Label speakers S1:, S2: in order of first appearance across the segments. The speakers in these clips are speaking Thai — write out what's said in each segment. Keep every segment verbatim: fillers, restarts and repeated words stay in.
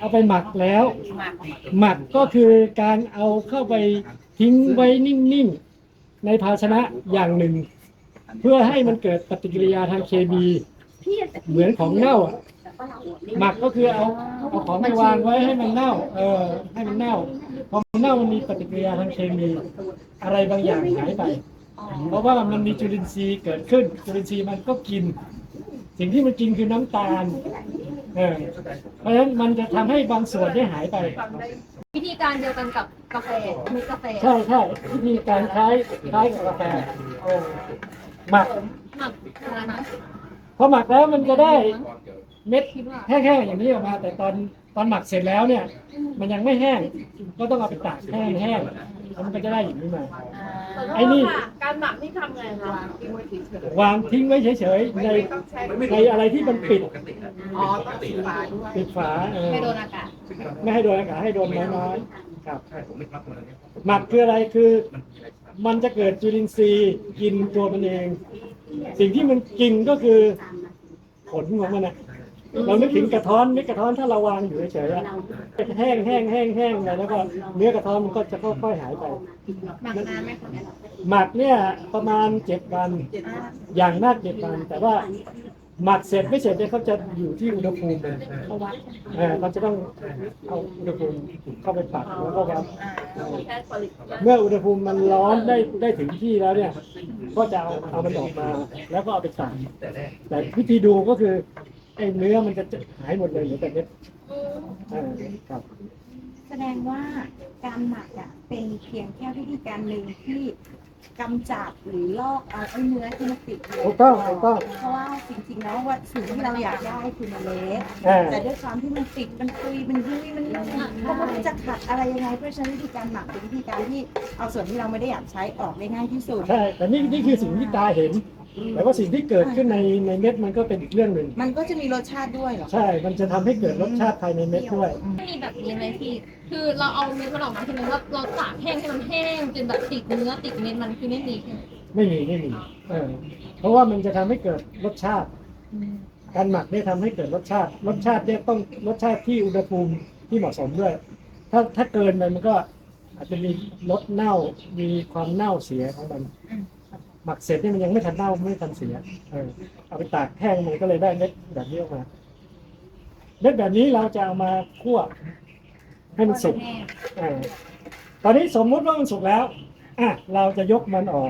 S1: เอาไปหมักแล้ว หมักก็คือการเอาเข้าไปทิ้งไว้นิ่งๆในภาชนะอย่างหนึ่ง เพื่อให้มันเกิดปฏิกิริยาทางเคมีเหมือนของเน่าอะหมักก็คือเอาเอาของไปวางไว้ให้มันเน่า เออให้มันเน่าพอมันเน่ามันมีปฏิกิริยาทางเคมีอะไรบางอย่างหายไป เพราะว่ามันมีจุลินทรีย์เกิดขึ้น จุลินทรีย์มันก็กิน สิ่งที่มันกินคือน้ำตาลเออเพราะฉะนั้นมันจะทำให้บางส่วนได้หายไป
S2: วิธีการเดียวกันกับกาแฟมีกาแฟ
S1: ใช่ใช่วิธีการคล้ายคล้ายกับกาแฟเออหมัก
S2: หมักอะไรนะ
S1: พอหมักแล้วมันจะได้เม็ดแห้งๆอย่างนี้ออกมา แต่ตอนตอนหมักเสร็จแล้วเนี่ย มันยังไม่แห้งก็ต้องเอาไปตากแห้งแห้งแล้วมันก็จะได้อย่างนี้มาไอ้นี่
S3: การหมักนี่ทำไงคะ
S1: วางทิ้งไว้เฉยๆในในอะไรที่มันปิด
S3: อ๋อต้องปิดฝาด้วย
S1: ปิดฝาเออ
S2: ไม่โดนอากาศ
S1: ไม่ให้โดนอากาศให้โดนน้อยๆครับหมักคืออะไรคือ มันจะเกิดจุลินทรีย์กินตัวมันเอง สิ่งที่มันกินก็คือผลของมันนะเรานึกถึงกระท้อนเม็ดกระท้อนถ้าเราวางอยู่เฉยๆอะแห้งแห้งแห้งแห้งไปแล้วก็เนื้อกระท้อนมันก็จะค่อยๆหายไป
S2: หมักนานไหมคะ
S1: หมักเนี่ยประมาณเจ็ดวันอย่างมากเจ็ดวัน แต่ว่าหมักเสร็จไม่เสร็จเนี่ยเขาจะอยู่ที่อุณหภูมิเลยเขาวัดเออเขาจะต้องเอาอุณหภูมิเข้าไปปรับแล้วก็วัดเมื่ออุณหภูมิมันร้อนได้ได้ถึงที่แล้วเนี่ย ก็จะเอาเอามันออกมา แล้วก็เอาไปตากแต่วิธีดูก็คือไอ้เนื้อมันจะหายหมดเลยเหลือแต่เม็ดอ่าครับ
S4: แสดงว่าการหมักอ่ะเป็นเพียงแค่วิธีการหนึ่งที่กำจัดหรือลอกเอาไอ้เนื้อที่มันติดอยู่
S1: ถูกต้องถูกต้อง
S4: เพราะว่าจริงๆแล้วว่าสิ่งที่เราอยากได้คือเมล็ด
S1: อ่า
S4: แต่ด้วยความที่มันติดมันคุยมันยุ่ยมันเพราะมันจะขัดอะไรยังไงเพราะฉะนั้นวิธีการหมักเป็นวิธีการที่เอาส่วนที่เราไม่ได้อยากใช้ออกได้ง่ายที่สุด
S1: ใช่แต่นี่นี่คือสิ่งที่ตาเห็น แต่ว่าสิ่งที่เกิดขึ้นในในเม็ดมันก็เป็นอีกเรื่องหนึ่ง
S4: มันก็จะมีรสชาติด้วยเหรอ
S1: ใช่ มันจะทำให้เกิดรสชาติภายในเม็ดด้วย
S2: มีแบบนี้ไหมพี่ คือเราเอาเม็ดมันออกมาใช่ไหมว่าเราตากแห้งให้มันแห้งจนแบบติดเนื้อติดเม็ดมันคือไม่มีใช่ไหม
S1: ไม่มีไม่มีเออเพราะว่ามันจะทำให้เกิดรสชาติ การหมักเนี่ยทำให้เกิดรสชาติ รสชาติเนี่ยต้องรสชาติที่อุณหภูมิที่เหมาะสมด้วย ถ้าถ้าเกินไปมันก็อาจจะมีรสเน่า มีความเน่าเสียของมัน หมักเสร็จเนี่ยมันยังไม่ทันเน่าไม่ทันเสียเออเอาไปตากแห้งมันก็เลยได้เม็ดแบบนี้ออกมา เม็ดแบบนี้เราจะเอามาคั่วให้มันสุกเออตอนนี้สมมุติว่ามันสุกแล้วอ่ะเราจะยกมันออก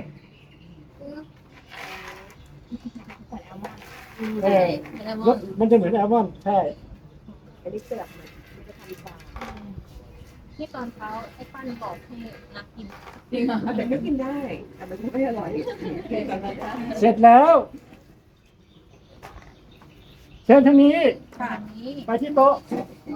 S1: เออรสมันจะเหมือนแอลมอนด์ใช่
S2: ที่ตอนเช้าไอ้ปั้นบอกให้นักกิน
S3: จริงเหรอแต่ก็กินได้แต่มันไม่อร่อย
S1: เสร็จแล้วเชิญทางนี้
S2: แบบนี้
S1: ไปที่โต๊ะ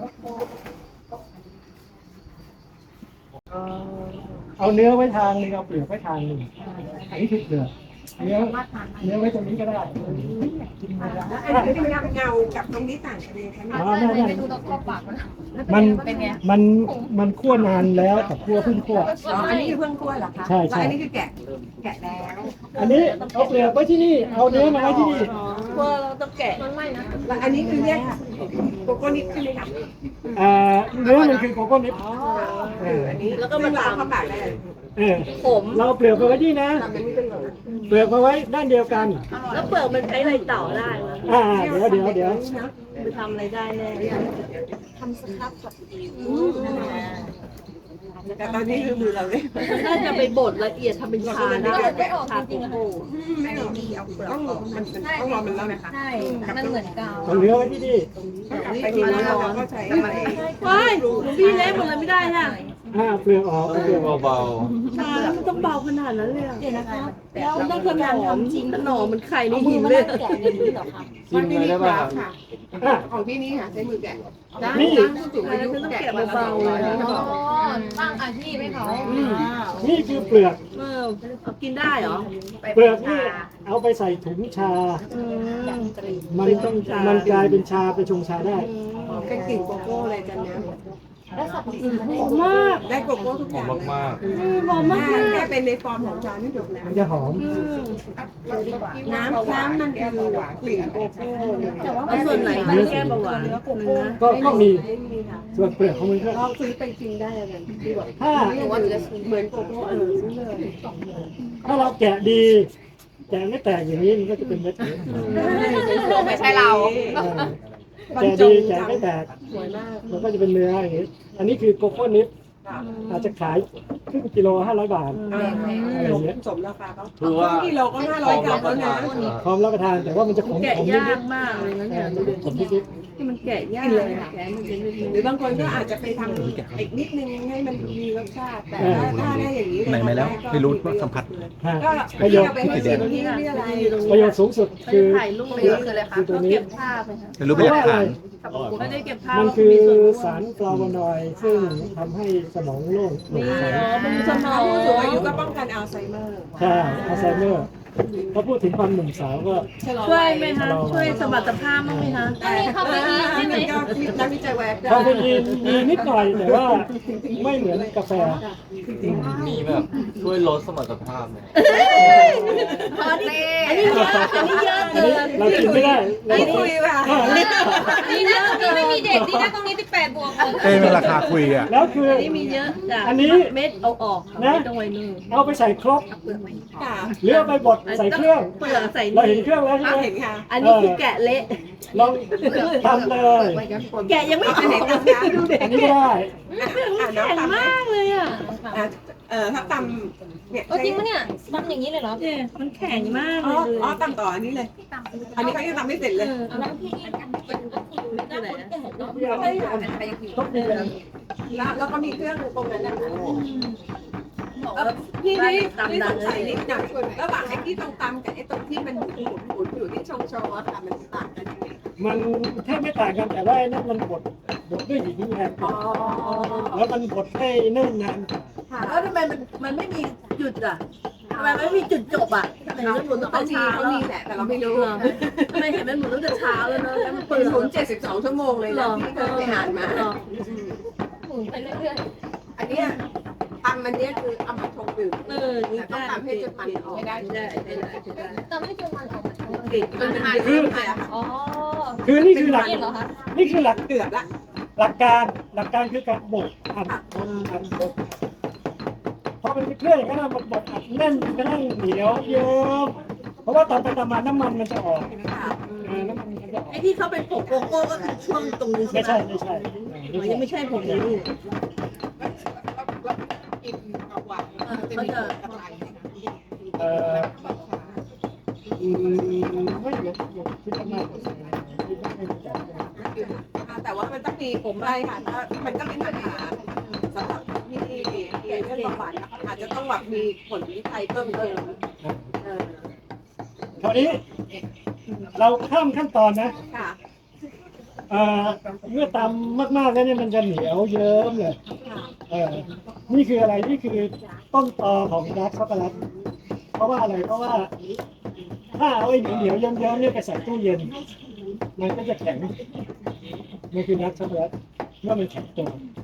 S1: เอาเนื้อไว้ทางหนึงเอาเปลือกไว้ทางหนึ่งอันนี้คือเปลือกเนื้อเนื้อไว้ตรงนี้ก็ได้
S3: แล้วอันนี้เป็นเงากับตรงนี้ต่างกันเลยใช่ไหม
S1: อ๋อไม่ไม่
S2: ไปดูตรงข้อปากมัน
S1: มัน
S2: เป็นไง
S1: มันมันคั่วนานแล้วกับคั่วเพิ่งคั่ว
S3: อ๋ออันนี้คือเพิ่งคั่วเหรอคะ
S1: ใช่ใช่
S3: แล้วอันนี้คือแกะแกะแล้ว
S1: อันนี้เอาเปลือกไว้ที่นี่เอาเนื้อมาไว้ที่นี่
S3: คั่วเราต้องแกะ
S2: มันไม่นะ
S3: แล้วอันนี้คือเรียกโกโก้นิดใช่ไหมคะ
S1: อ่าเนื้อมันคือโกโก้นิปเออ
S3: อันนี้แล้วก็มาตามเข้าปากได้เลย
S1: เออเราเอาเปลือกไปไว้ที่นะ เปลือกมาไว้ด้านเดียวกัน
S3: แล้วเปลือกมันใช้อะไรต่อได้
S1: อ่าเดี๋ยวเดี๋ยวเดี๋ยว
S3: ไปทำอะไรได้แน่
S4: ทำสครับกับอิว
S3: แต่ตอนนี้คือมือเราเลย
S5: น่าจะไปบดละเอียดทำเป็นชา
S2: ก็
S5: ได้
S2: เลยไม่ออกจริงๆอะ
S3: ไม่หรอกต้องมันต้องรอมันแล้วนะคะ
S2: ใช่ มันเหมือนกาว
S1: เอาเนื้อไว้ที่นี่
S3: ไปกินแล้วเราก็ใช้
S5: ว้ายหนูพี่เล็กหมดเลยไม่ได้ค่ะ
S1: อ่าเปลือกออกเอาเปลือกออก
S6: เบา
S5: ชามันต้องเบาขนาดนั้นเลยอะ
S4: เดี๋ยวนะคะแล้วต้องทำงานทำจริง
S5: ขนมมันไข่ใน
S4: เอามื
S5: หิ
S4: อน มา
S5: เลย
S4: นั่งแกะอย่างนี้เหรอคะ
S6: ๆชิมเลยได้ป่ะครับ
S1: อ่ะ
S3: ของพี่นี่ค่ะใช้มือแกะ
S1: นี่
S3: สูงอายุแกะเบาๆเลย
S2: อ๋อตั้งอาชีพให้เขา
S1: นี่คือเปลือก
S5: เออเอากินได้เหรอ
S1: เปลือกนี่เอาไปใส่ถุงชา มันมันกลายเป็นชาไปชงชาได้
S3: เป็นกลิ่นโกโก้เลยจันนะ
S4: แล้วสับปะรด
S5: หอมมาก
S3: ได้โกโก้ทุกอย่างเลย
S6: มาก
S5: หอมมาก
S3: แค่เป็นในฟอร์มของชานี่ถูกแล้ว
S1: มันจะหอม
S3: น้ำน้ำมันคือกลิ่นโกโก้
S4: แต่ว่า
S5: เอาส่วนไหนที่แก้เบาหวาน
S1: ก็ก็มีส่วนเปลือกของมันก็
S3: เราซื้อไปกินได้อะไรดีกว่า
S1: ถ้า
S3: เหมือนโกโก้เออซื้อเลย
S1: ถ้าเราแกะดีแกะไม่แตกอย่างนี้มันก็จะเป็นเม็ดอย่างนี้
S2: ไม่ใช่เรา
S1: เออแกะดีแกะไม่แตก
S3: สวยมาก
S1: มันก็จะเป็นเนื้ออย่างนี้ อันนี้คือโกโก้นิดอาจจะขายครึ่งกิโลห้าร้อยบาทอะไรอย่างเงี้ย
S3: สมราคาเขา
S6: ๆคือว่า
S3: กิโลก็ห้าร้อยกรัมแล้วนะ
S1: พร้อมรับประทานแต่ว่ามันจะขม
S5: แกะ
S1: ขม
S5: ยา
S1: นิ
S5: ก
S1: ด
S5: มากเลยนะ
S1: ๆเอ
S5: เนี่ย
S1: อมันจะขมนิด
S5: ที่มันแกะยากแกะมันเป็น
S3: หรือบางคนก็อาจจะไปทำอีกนิดนึงให้มันมีรสชาติ แต่ถ้าถ้าได้อย่างนี้
S6: ไหนไหมแล้วไม่รู้ว่าสัมผัส
S1: ๆฮะ
S3: ก็
S1: ประโยชน์
S3: เอาไปให้ชิมที่นี่อะไร
S1: ประโยชน์สูงสุด
S5: เขา
S1: คื
S5: จะ
S1: อ
S5: ถ่ายรูป
S1: คือ
S5: คืออะไรคะ
S1: คือตัวนี้
S5: เก็บภาพไหมคะ
S6: ไม่รู้เป็นหลักฐาน
S5: ไม่ได้เก็บภาพ
S1: มันคือสารฟลาโวนอยด์ซึ่งทำให้สมองโล่งโปร่ง
S5: นี่
S1: ใส
S5: อ๋อเป็นสมอ
S3: ผู้
S5: ง
S3: สูงอายุก็ป้องกันอัลไซเมอร์
S1: ใช่อัลไซเมอร์ถ้าพูดถึงความหนุ่มสาวก็
S5: ช่วยไหมคะช่วยสมรรถภาพบ้างไหมคะ
S2: อันนี้คาเฟอีนใช่ไหม
S3: ก็นักวิจัยแวก
S1: คาเฟอีนมีนิดหน่อยแต่ว่าไม่เหมือนกาแฟ
S6: มีแบบช่วยลดสมรรถภาพไหม
S5: อันนี้อันนี้เยอะอันนี้เยอะ
S1: อัน
S5: เกิ
S1: นี้
S5: น
S1: เรากินไม่ได้เรา
S3: ไม่คุยว่ะ
S2: ดีนะตรงนี้ไม่มีเด็กดีนะตรงนี้สิบแปดบวก
S6: เอ้เป็นราคาคุยอ่ะ
S1: แล้วคือ
S5: อันนี้มีเยอะจ้ะ
S1: อันนี้
S5: เม็ดเอาออกไม่ต้องไว้นึ่ง
S1: เอาไปใส่ครก
S3: ค่ะ
S1: หรือเอาไปบดใส่เครื่อง
S5: เปลือกใส่
S1: เราเห็น
S5: นี่
S1: เครื่องแล้วใช่
S3: เอา
S1: ไหม
S3: เห็นค่ะ
S5: อันนี้คือแกะเละ
S1: ลองทำเลย
S5: แกะยังไม่
S3: อัน
S5: ถู
S3: ไหน
S5: ก
S3: ทำคะดูเด็ก
S1: อันนี้ก็ได้
S3: อ่าน้อง
S5: แข็ง
S3: ตำ
S5: มากเลยอ่ะ
S3: เออถ้าตำเนี่ย
S2: เออจริงปะเนี่ยทำอย่างนี้เลยเหรอ
S5: เนี่ยมันแข็งมาก
S3: อ๋
S5: เล
S3: อย อ๋อตำต่ออันนี้เลย อันนี้เขายังทำไม่เสร็จเลย
S2: แล้วพี่ทำเป็นก็คือหน้าคนแก่เนาะ
S1: ต้องมีแบบ
S3: แล้วแล้วก็มีเครื่องตรงนั้นนะคะ
S5: บอก
S3: เออ
S5: ว่า
S3: พี่นี่
S5: ตำ
S3: นี่
S5: ดั
S3: ส
S5: ง
S3: ง
S5: เล
S3: สัย
S5: ย
S3: นิดหน่อยระหว่างไอ้ที่ตรงตำกับไอ้ตรงที่มันหมุนหมุนอยู่ที่ชงโชว์อะค่ะมันต่างกันยังไง
S1: มันแทบไม่ต่างกันแต่ว่าไอ้นั่นมันบดบดด้วยหินแรง
S3: อ๋อ
S1: แล้วมันบดให้เนิ่นนานกว่า
S3: ค่ะ
S5: แล้วทำไมมันมันไม่มีจุดอ่ะทำไมไม่มีจุดจบอ่ะทำไมมันหมุนตั้ง
S3: เขา
S5: แต่
S3: มี
S5: เช้า
S3: เขา
S5: แล้ว
S3: มีแหละแต่เราไม่รู้
S5: ทำไมเห็นมันหมุนตั้งแต่เช้าแล้วเนอะแล้วมัน
S3: เปิ
S5: เปิ
S3: ด
S5: ด
S3: หมุนเจ็ดสิบสองชั่วโมงเลยนะที่เคยไปอ่านมา
S5: หรอ
S2: หมุนไปเรื่อย
S3: อันเนี้ยตำอันเนี้ยคือเอามาชงดื่ม
S5: เออนี่
S3: แต่ต้อง
S5: ได้
S3: ตำให้จนมันออก
S5: ไม่ได้ไม่ได้ไม่ได้ไม่ได้
S2: ๆแต่ไม่จนมันออกมาทั้งหมด
S3: ติดมันเป็นเรื่องอะไรอะค่ะ
S2: อ๋อ
S1: คือนี่คือหลัก
S2: นี่เหรอคะ
S1: นี่คือหลัก
S3: เกือบละ
S1: หลักการหลักการคือการบดอัดบดอัดบดพอเป็นเครื่องอย่างนั้นนะมันบดอัดแน่นกระทั่งเหนียวเยิ้มเพราะว่าตอนไปตามมาน้ำมันมันจะออก
S3: ค่ะ
S1: เออน้ำมันมันจะออก
S5: ไอ้ที่เขาเป็นผงโกโก้ก็คือช่วงตรงนี้ใช่
S1: ไม่
S5: ไหม
S1: ใช่ไม่ใช่
S5: มันยังไม่ใช่ผงนี้ลูก
S3: กินเอาหวานจะมีกระไร
S1: เอออืมไม่เดี๋ยวเดี๋ยวคิดว่าน่าจะใส่คิดว่าไม่รู้จัก
S3: แต่ว่ามันต้องมีผมอะไรค่ะถ้ามันก็เป็นปัญหาสำหรับที่เกี่ยวกับหวานอาจจะต้องแบบมีผลวิจัยเพิ่มเติมเออ
S1: คราวนี้ เราข้ามขั้นตอนนะ
S3: ค่ะ
S1: เอ่อเมื่อตำมากๆแล้วเนี่ยมันจะเหนียวเยิ้มเลย
S3: ค่ะ
S1: เออนี่คืออะไรนี่คือต้นตอของดาร์กช็อกโกแลตเพราะว่าอะไรเพราะว่า ถ้าเอาไอ้เหนียวๆเยิ้มๆเนี่ยไปใส่ตู้เย็น มันก็จะแข็งมันคือดาร์กช็อกโกแลตเมื่อมันแข็งตัว